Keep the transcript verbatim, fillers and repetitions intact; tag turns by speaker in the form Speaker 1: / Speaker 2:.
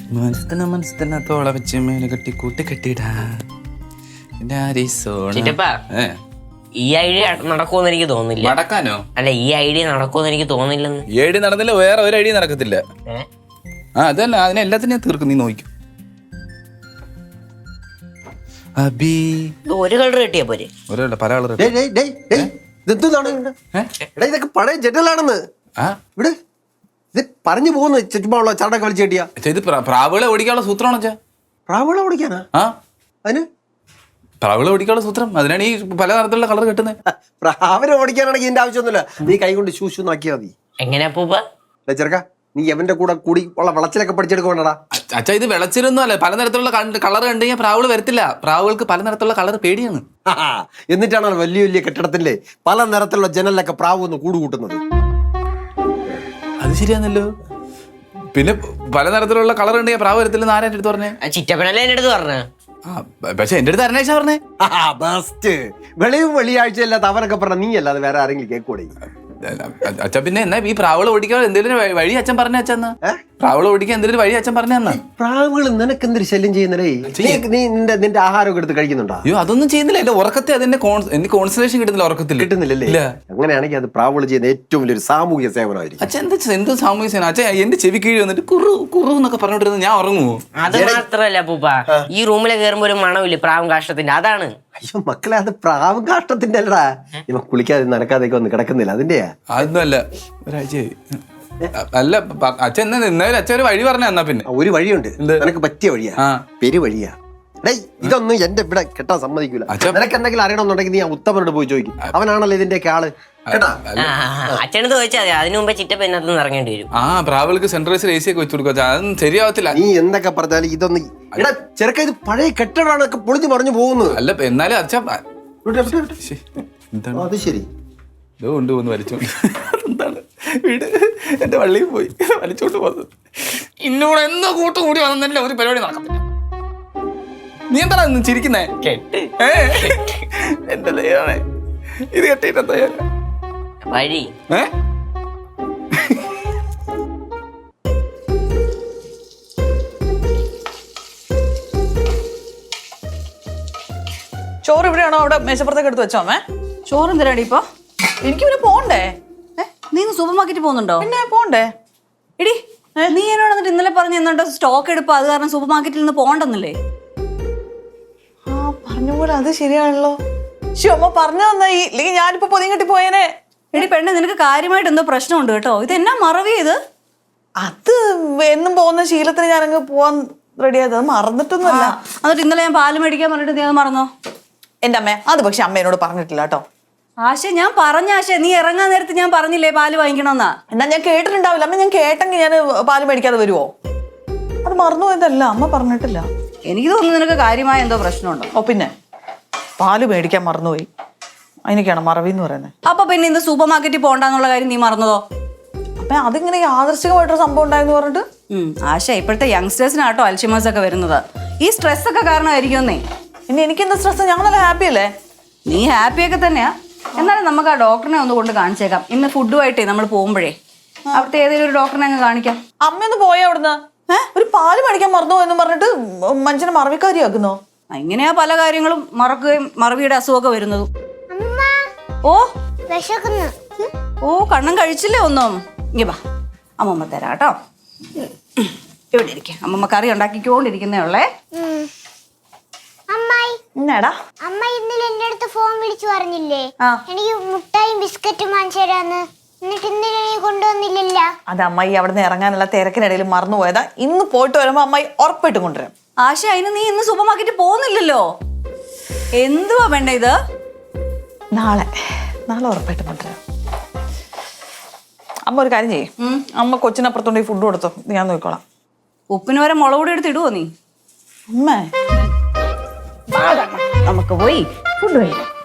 Speaker 1: മനസ്സിന മനസ്സിനത്തോളെ വെച്ച് മേലെ കെട്ടി കൂട്ടി കെട്ടിടാ.
Speaker 2: ഈ ഐഡിയ നടക്കുമെന്ന് എനിക്ക് തോന്നുന്നില്ല.
Speaker 1: നടക്കാനോ?
Speaker 2: അല്ല, ഈ ഐഡിയ നടക്കുമെന്ന് എനിക്ക് തോന്നുന്നില്ലെന്ന്.
Speaker 1: ഈ ഐഡിയ നടന്നില്ല, വേറെ ഒരു ഐഡിയ നടക്കത്തില്ല. ആ അതല്ല, അതിനെ എല്ലാത്തിനും തീർക്കും. നീ നോക്കും അബി
Speaker 2: ഒരു കളർ കിട്ടിയാ പോരെ?
Speaker 1: ഒരല്ല പല കളർ.
Speaker 3: ഇതൊക്കെ പഴയ ജനലാണെന്ന് ഇവിടെ ഇത് പറഞ്ഞു പോകുന്നു. ചുറ്റുമുള്ള ചടക്ക് വലിച്ചു കെട്ടിയാ
Speaker 1: ഇത് പ്രാവുകളെ ഓടിക്കാനുള്ള സൂത്രമാണോ വെച്ചാ?
Speaker 3: പ്രാവുകളെ ഓടിക്കാനാ?
Speaker 1: ആ
Speaker 3: അതിന്
Speaker 1: പ്രാവുകളെ ഓടിക്കാനുള്ള സൂത്രം. അതിനാണ് ഈ പല തരത്തിലുള്ള കളർ കെട്ടുന്നത്.
Speaker 3: പ്രാവിനെ ഓടിക്കാനാണെങ്കിൽ ഇതിന്റെ ആവശ്യമൊന്നുമില്ല. നീ കൈ കൊണ്ട് ശൂശു നാക്കിയാ മതി.
Speaker 2: എങ്ങനെയാ പൂപ്പ
Speaker 3: ചെറുക്ക, നീ എവന്റെ കൂടെ കൂടി ഉള്ള വിളച്ചിലൊക്കെ പഠിച്ചെടുക്കണടാ.
Speaker 1: അച്ഛാ ഇത് വിളച്ചിലൊന്നും അല്ല. പലതരത്തിലുള്ള കളർ കണ്ടു കഴിഞ്ഞാൽ പ്രാവുകൾ വരത്തില്ല. പ്രാവുകൾക്ക് പല നിറത്തിലുള്ള കളർ പേടിയാണ്.
Speaker 3: എന്നിട്ടാണ് വലിയ വലിയ കെട്ടിടത്തിന്റെ പല നിറത്തിലുള്ള ജനലിലൊക്കെ പ്രാവ് ഒന്ന് കൂട് കൂട്ടുന്നത്.
Speaker 1: അത് ശരിയാണല്ലോ. പിന്നെ പല നിറത്തിലുള്ള കളർ ഉണ്ടെങ്കിൽ പ്രാവ് വരത്തില്ലെന്ന് ആരാ എന്റെ അടുത്ത് പറഞ്ഞേ?
Speaker 2: ചിറ്റപ്പനല്ലേ എന്റെ അടുത്ത് പറഞ്ഞേ.
Speaker 1: പക്ഷെ എന്റെ അടുത്ത് അരണേശ പറഞ്ഞേ.
Speaker 3: ബെസ്റ്റ്. വെളിയും വെള്ളിയാഴ്ച അല്ലാത്ത അവനൊക്കെ പറഞ്ഞ നീ അല്ലാതെ വേറെ ആരെങ്കിലും കേൾക്കൂടെ?
Speaker 1: അച്ഛൻ പിന്നെ എന്നാ ഈ പ്രാവുകൾ ഓടിക്കാൻ എന്തെങ്കിലും വഴി അച്ഛൻ പറഞ്ഞ അച്ഛന്നാ? പ്രാവുകൾ ഓടിക്കാൻ എന്തെങ്കിലും വഴി അച്ഛൻ പറഞ്ഞ?
Speaker 3: പ്രാവുകൾ നിനക്ക് എന്തൊരു ശല്യം ചെയ്യുന്നേ? നീ നിന്റെ നിന്റെ ആഹാരമൊക്കെ എടുത്ത് കഴിക്കുന്നുണ്ടോ?
Speaker 1: അയ്യോ അതൊന്നും ചെയ്യുന്നില്ല. എന്റെ ഉറക്കത്തെ അതിന്റെ എനിക്ക് കോൺസെൻട്രേഷൻ കിട്ടുന്നില്ല. ഉറക്കത്തിൽ
Speaker 3: കിട്ടുന്നില്ലല്ലേ? അങ്ങനെയാണെങ്കിൽ അത് പ്രാവുകൾ ചെയ്യുന്ന ഏറ്റവും വലിയൊരു സാമൂഹിക സേവനമായിരിക്കും.
Speaker 1: അച്ഛൻ എന്താ എന്ത് സാമൂഹിക സേവനം? അച്ഛൻ എന്റെ ചെവി കീഴ് വന്നിട്ട് കുറു കുറു എന്നൊക്കെ പറഞ്ഞോണ്ടിരുന്നത് ഞാൻ ഉറങ്ങുമോ?
Speaker 2: അത് മാത്രല്ല പൂപ്പ, ഈ റൂമിലെ കയറുമ്പോ ഒരു മണമില്ലേ പ്രാവും കാഷ്ടത്തിന്റെ, അതാണ്.
Speaker 3: അയ്യോ മക്കളെ, അത് പ്രാവും കാഷ്ടത്തിന്റെ അല്ലടാ. ഇവ കുളിക്കാതെ നനക്കാതെയൊക്കെ ഒന്ന് കിടക്കുന്നില്ല, അതിന്റെയാ.
Speaker 1: അതൊന്നും അല്ല. ഒരാഴ്ച അല്ല അച്ഛൻ എന്നാ എന്നാലും അച്ഛൻ ഒരു വഴി പറഞ്ഞ. എന്നാ പിന്നെ
Speaker 3: ഒരു വഴിയുണ്ട്, നിനക്ക് പറ്റിയ വഴിയാ. പെരുവഴിയാ. ഡേയ്, ഇതൊന്നും എന്റെ ഇവിടെ കെട്ടാൻ സമ്മതിക്കൂല. നിനക്ക് എന്തെങ്കിലും അറിയണമെന്നുണ്ടെങ്കിൽ നീ ആ ഉത്തമനോട് പോയി ചോദിക്കും. അവനാണല്ലോ ഇതിന്റെയൊക്കെ ആള്.
Speaker 2: അച്ഛനത് ചോദിച്ചാൽ മതി. അതിനു മുമ്പേ ചിറ്റപ്പ ഇതിനകത്ത് ഇറങ്ങേണ്ടി വരും.
Speaker 1: ആ പ്രാവുകൾക്ക് സെൻട്രൈസർ എ സി ഒക്കെ വെച്ചു കൊടുക്കുക. അതൊന്നും ശരിയാവത്തില്ല.
Speaker 3: നീ എന്തൊക്കെ പറഞ്ഞാലും ഇതൊന്നും എടാ ചെറുക്ക, ഇത് പഴയ കെട്ടിടമാണൊക്കെ പൊളിഞ്ഞു പറഞ്ഞു പോകുന്നത്.
Speaker 1: അല്ല എന്നാലും അച്ഛൻ
Speaker 3: അത് ശരി
Speaker 1: കൊണ്ട് പോന്ന് വലിച്ചോണ്ട് എന്താണ് വീട് എന്റെ വള്ളിയിൽ പോയി വലിച്ചോണ്ട് പോകുന്നത്. ഇന്നോട് എന്നോ കൂട്ടു കൂടി വന്നല്ല ഒരു പരിപാടി നടക്കത്തില്ല. നീ എന്താ ചിരിക്കുന്നേ?
Speaker 2: കെട്ട്
Speaker 1: എന്റെ ദൈവമേ, ഇത് കെട്ടിട്ട് എന്താ
Speaker 2: വഴി?
Speaker 1: ഏ
Speaker 4: ചോറ് ഇവിടെയാണോ? അവിടെ മേശപ്പുറത്തേക്ക് എടുത്ത് വെച്ചോ? അമ്മേ
Speaker 5: ചോറ് എന്തിനാടി ഇപ്പൊ?
Speaker 4: എനിക്ക് പിന്നെ പോണ്ടേ?
Speaker 5: നീ സൂപ്പർ മാർക്കറ്റിൽ പോകുന്നുണ്ടോ?
Speaker 4: പിന്നെ പോണ്ടേ?
Speaker 5: എടി നീ എന്നോട് എന്നിട്ട് ഇന്നലെ പറഞ്ഞു എന്നുണ്ടോ സ്റ്റോക്ക് എടുപ്പ്, അത് കാരണം സൂപ്പർ മാർക്കറ്റിൽ നിന്ന് പോണ്ടെന്നല്ലേ?
Speaker 4: ആ പറഞ്ഞ പോലെ അത് ശരിയാണല്ലോ. ശോ, അമ്മ പറഞ്ഞു തന്നായി, ഇല്ലെങ്കിൽ ഞാനിപ്പോ പൊതിയും കെട്ടി പോയേനെ.
Speaker 5: എടി പെണ്ണെ, നിനക്ക് കാര്യമായിട്ട് എന്തോ പ്രശ്നമുണ്ട് കേട്ടോ. ഇത് എന്നാ മറവി ഇത്?
Speaker 4: അത് എന്നും പോകുന്ന ശീലത്തിന് ഞാനങ്ങ് പോവാൻ റെഡിയായത്. അത് മറന്നിട്ടൊന്നുമല്ല.
Speaker 5: എന്നിട്ട് ഇന്നലെ ഞാൻ പാല് മേടിക്കാൻ പറഞ്ഞിട്ട് നീ അത് മറന്നോ?
Speaker 4: എന്റെ അമ്മ അത് പക്ഷെ അമ്മ എന്നോട് പറഞ്ഞിട്ടില്ല കേട്ടോ.
Speaker 5: ആശ ഞാൻ പറഞ്ഞ ആശ, നീ ഇറങ്ങാൻ നേരത്ത് ഞാൻ പറഞ്ഞില്ലേ പാല് വാങ്ങിക്കണമെന്നാ?
Speaker 4: എന്നാ ഞാൻ കേട്ടിട്ടുണ്ടാവില്ല. അമ്മ ഞാൻ കേട്ടെങ്കിൽ ഞാൻ പാല് മേടിക്കാതെ വരുവോ? അത് മറന്നു പോയതല്ല, അമ്മ പറഞ്ഞിട്ടില്ല.
Speaker 5: എനിക്ക് തോന്നുന്നു നിനക്ക് കാര്യമായ എന്തോ പ്രശ്നമുണ്ടോ.
Speaker 4: ഓ പിന്നെ പാല് മേടിക്കാൻ മറന്നുപോയി, അതിനൊക്കെയാണ് മറവി എന്ന് പറയുന്നത്.
Speaker 5: അപ്പൊ പിന്നെ ഇന്ന് സൂപ്പർ മാർക്കറ്റിൽ പോകണ്ടെന്നുള്ള കാര്യം നീ മറന്നതോ?
Speaker 4: അപ്പൊ അതിങ്ങനെ യാദൃശ്ചികമായിട്ടൊരു സംഭവം ഉണ്ടായെന്ന് പറഞ്ഞിട്ട്.
Speaker 5: ആശ, ഇപ്പോഴത്തെ യങ്സ്റ്റേഴ്സിനാട്ടോ അൽഷിമേഴ്സ് ഒക്കെ വരുന്നത്. ഈ സ്ട്രെസ് ഒക്കെ കാരണമായിരിക്കുമെന്നേ.
Speaker 4: ഇനി എനിക്കെന്താ സ്ട്രെസ്? ഞങ്ങൾ നല്ല ഹാപ്പി അല്ലേ?
Speaker 5: നീ ഹാപ്പിയൊക്കെ തന്നെയാ. എന്നാലും നമുക്ക് ആ ഡോക്ടറിനെ ഒന്ന് കൊണ്ട് കാണിച്ചേക്കാം. ഇന്ന് ഫുഡുമായിട്ടേ നമ്മൾ പോകുമ്പോഴേ അവിടുത്തെ ഏതെങ്കിലും ഒരു ഡോക്ടറിനെ അങ്ങ് കാണിക്കാം.
Speaker 4: അമ്മയൊന്ന് പോയാ അവിടുന്ന് ഏഹ് ഒരു പാല് മേടിക്കാൻ മറന്നു എന്ന് പറഞ്ഞിട്ട് മനുഷ്യനെ മറവിക്കാരിയാക്കുന്നോ?
Speaker 5: ഇങ്ങനെയാ പല കാര്യങ്ങളും മറക്കുകയും മറവിയുടെ അസുഖമൊക്കെ വരുന്നതും. ഓ ഓ കണ്ണം കഴിച്ചില്ലേ ഒന്നും? ഇങ്ങ വാ, അമ്മമ്മ തരാം കേട്ടോ. ഇവിടെ ഇരിക്ക, അമ്മമ്മ കറി ഉണ്ടാക്കിക്കൊണ്ടിരിക്കുന്നേ ഉള്ളേ.
Speaker 4: എന്നാടാ
Speaker 6: അമ്മ ഇന്നലെ എന്റെ അടുത്ത് ഫോൺ വിളിച്ചു പറഞ്ഞില്ലേ എനിക്ക് മുട്ടായും ബിസ്ക്കറ്റും വാങ്ങിച്ചു തരാന്ന്? എന്നിട്ട് ഇന്നലെ നീ കൊണ്ടുവന്നില്ലല്ല.
Speaker 4: അത് അമ്മായി അവിടെ നിന്ന് ഇറങ്ങാനുള്ള തിരക്കിനിടയിൽ മറന്നുപോയതാ. ഇന്ന് പോയിട്ട് വരുമ്പോ അമ്മായി ഉറപ്പായിട്ടും കൊണ്ടുവരാം.
Speaker 5: ആശ, അതിന് നീ ഇന്ന് സൂപ്പർ മാർക്കറ്റിൽ പോകുന്നില്ലല്ലോ. എന്തുവാ വേണ്ട ഇത്?
Speaker 4: നാളെ നാളെ ഉറപ്പായിട്ടും കൊണ്ടുവരാം. അമ്മ ഒരു കാര്യം ചെയ്യും, അമ്മ കൊച്ചിനപ്പുറത്തോണ്ട് ഫുഡ് കൊടുത്തോ, ഞാൻ നോക്കിക്കോളാം.
Speaker 5: ഉപ്പിന് വരെ മുളക് പൊടി എടുത്ത് ഇടുവോ നീ?
Speaker 4: അമ്മേ
Speaker 5: നമുക്ക് പോയി ഫുഡ് കഴിക്കാം.